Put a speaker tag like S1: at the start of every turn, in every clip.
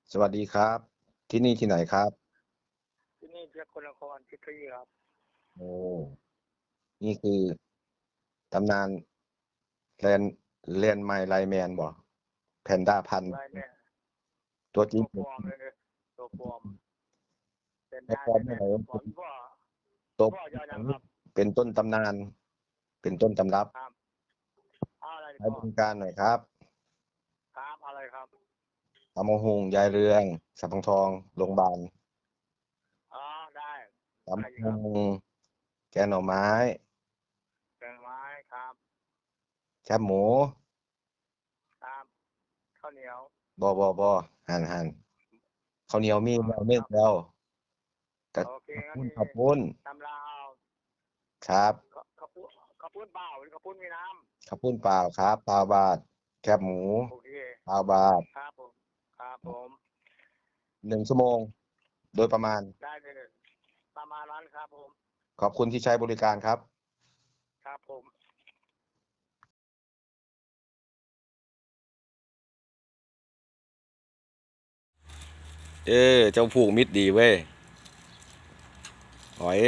S1: สวัสดีครับ ที่นี่ที่ไหนครับ
S2: ที่นี่สกลนครพิตรีครับ
S1: โอ้นี่คือตำนานแลนแลนไมล์ไลแมนบ่แพนด้าพันธุ์
S2: ไลน์แมน
S1: ตัวจริง
S2: ตัวปลอมเลยตัวปลอมเป็น
S1: ไม่
S2: ได้
S1: พร้อมไม่ไหน
S2: แมนตัวปลอมพ่อ
S1: ตัว
S2: พ่อยอยังครับ
S1: เป็นต้นตำนาน เป็นต้นตำรับ
S2: ครับอะไร
S1: ให้
S2: พ่อ
S1: บริการหน่อยครับ
S2: ครับอะไรครับ
S1: ตำมะฮุงยายเรืองสับปะทองโรงพยาบาล
S2: อ๋อได้
S1: ตำ
S2: ได้
S1: มะ
S2: ครับ
S1: ฮุงแกงหน่อไม้
S2: แกงไม้ครับ
S1: แคบหมู
S2: ครับข้าวเหนียว
S1: บ่หั่นข้าวเหนียวมีแล้วเม็
S2: ครับ
S1: ดแล้วกระ
S2: โอเคงั้น
S1: ปุ้น
S2: นี่
S1: ข้าวปุ้น
S2: ตำลาว
S1: ครับ
S2: ข้าวปุ้นข้าวปุ้นเปล่าหรือข้าวปุ้นมีน้
S1: ข้าวปุ้นเปล่าครับเปล่าบาทแคบหมู
S2: ำโอเค
S1: เปล่าบาท
S2: ครับผมครับผม
S1: 1 ชั่วโมงโดยประมาณ
S2: ได้เลยประมาณนั้นครับผม
S1: ขอบคุณที่ใช้บริการครับ
S2: ครับผม
S1: เจ้าผูกมิตรดีเว้ยหอย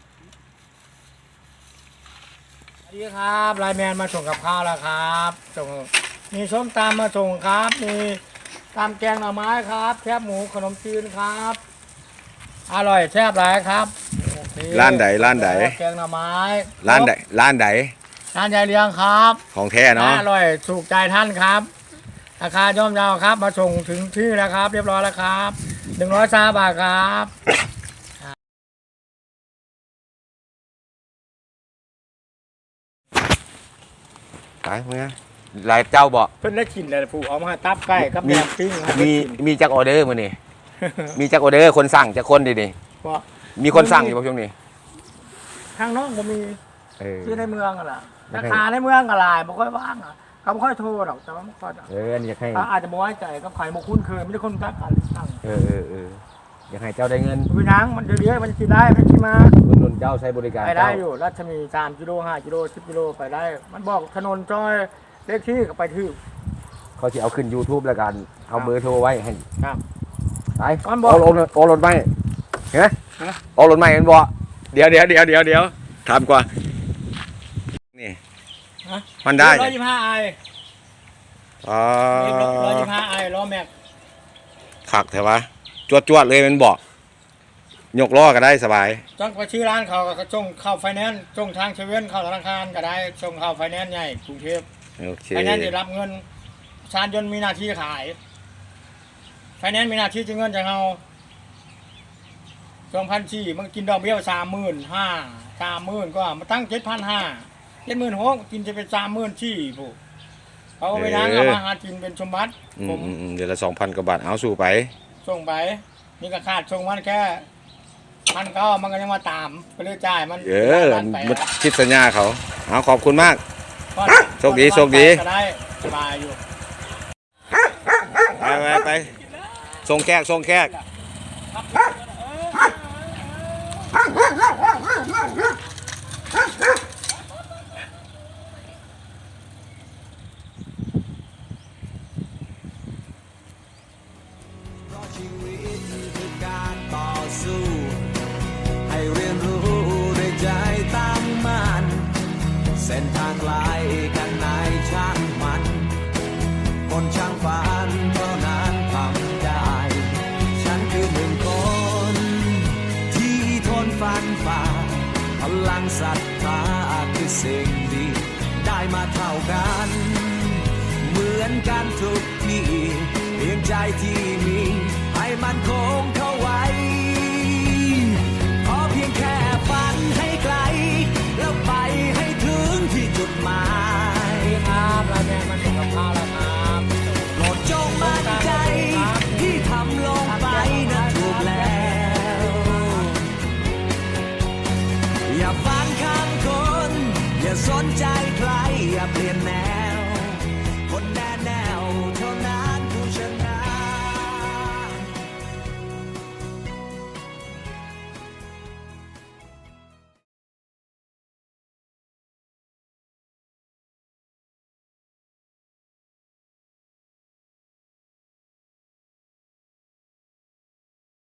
S2: สวัสดีครับไลน์แมนมาส่งกับข้าวแล้วครับส่งมีส้มตำมาส่งครับมีตำแกงหน่อไม้ครับแคบหมูขนมจีนครับอร่อยแซ่บหลายครับโอเค
S1: ร้านใด
S2: แกงหน่อไม้
S1: ร้านใด
S2: ร้านยายเลี้ยงครับ
S1: ของแท้เนาะ
S2: อร่อยถูกใจท่านครับราคาย่อมเยาครับมาส่งถึงที่แล้วครับ เรียบร้อยแล้วครับ130 บาทครับ
S1: ขายเมื่อหลายเจ้าบ่
S2: เพิ่นได้กินเลยผูกเอามาตับไก่กับแหนมปิ้งครับ
S1: มีจักออเดอร์มื้อนี้ มีจักออเดอร์คนสั่งจักคนดิ
S2: เพราะ
S1: มีคนสั่งอยู่บ่ช่วงนี้
S2: ทางน้องก็มี ที่ใน
S1: อ
S2: เมืองอะล่ะราคาในเมืองก็หลายบ่ค่อยว่างอ่ะเขาบ่ค่อยโทรหรอกแต่ว่าบ่ค่อย
S1: อันนี้อยากให้
S2: อาจจะบ่ไว้ใจกับไผบ่คุ้นเคยไม่ได้คนรู้จักกันสั่ง
S1: อยากให้เจ้าได้เงิน
S2: พี่นางมันเดี๋ยวมันสิได้มันสิมา
S1: อุดหนุนเจ้าใช้บริการ
S2: ไปได้
S1: เจ้า
S2: อยู่รัชมี3 กิโล 5 กิโล 10 กิโลไปได้ มันบอกถนนจอยเลขที่ก็ไปถึง
S1: เขาสิเอาขึ้น YouTube แล้วกันเอาเบอร์โทรไว้ให้
S2: ครับ
S1: ไป
S2: มันบอก
S1: เอารถไหมเห็นไหมเอารถไหมมันบ่เดี๋ยวถามกว่านี่
S2: ฮะ
S1: มันได้
S2: 125ไอ
S1: อ๋อ
S2: 125ไอล้อแม็ก
S1: ขักแต่ว่าจวดเลยมันบอกยกล้อก็ได้สบาย
S2: จังไปชื่อร้านเขาก็ส่งเข้าไฟแนนซ์ส่งทางเซเว่นเข้าธนาคารก็ได้ส่งเข้าไฟแนนซ์ใหญ่กรุงเทพ
S1: โอเค
S2: ไฟแนนซ์ได้รับเงินชานยนต์มีหน้าที่ขายไฟแนนซ์มีหน้าที่จะเงินจากเรา2,400มันกินดอกเบี้ย35,000ก็มาตั้ง7,500 76,000กินจะเป็น34,000ผู้เขาไปนั่งเอามาหากินเป็นสมบัติผม
S1: เดือนละ 2,000 กว่าบาทเอาสู่ไป
S2: ส่งไปนี่ก็ขาดส่งมันแค่1,900มันก็ยังมาตามไปเรื่อยจ่ายมัน
S1: มันคิดสัญญาเขาเอาขอบคุณมาก โชคดี
S2: ก็ได้สบายอยู่
S1: ไปส่งแขก
S3: ชีวิตคือการต่อสู้ให้เรียนรู้ด้วยใจตั้งมั่นเส้นทางไกลกันไหนช่างมันคนช่างฝันเท่านั้นทำได้ฉันคือ1 คนที่ทนฟันฝ่าพลังศรัทธาคือสิ่งดีได้มาเท่ากันเหมือนกันทุกที่เพียงใจที่มีให้มันคง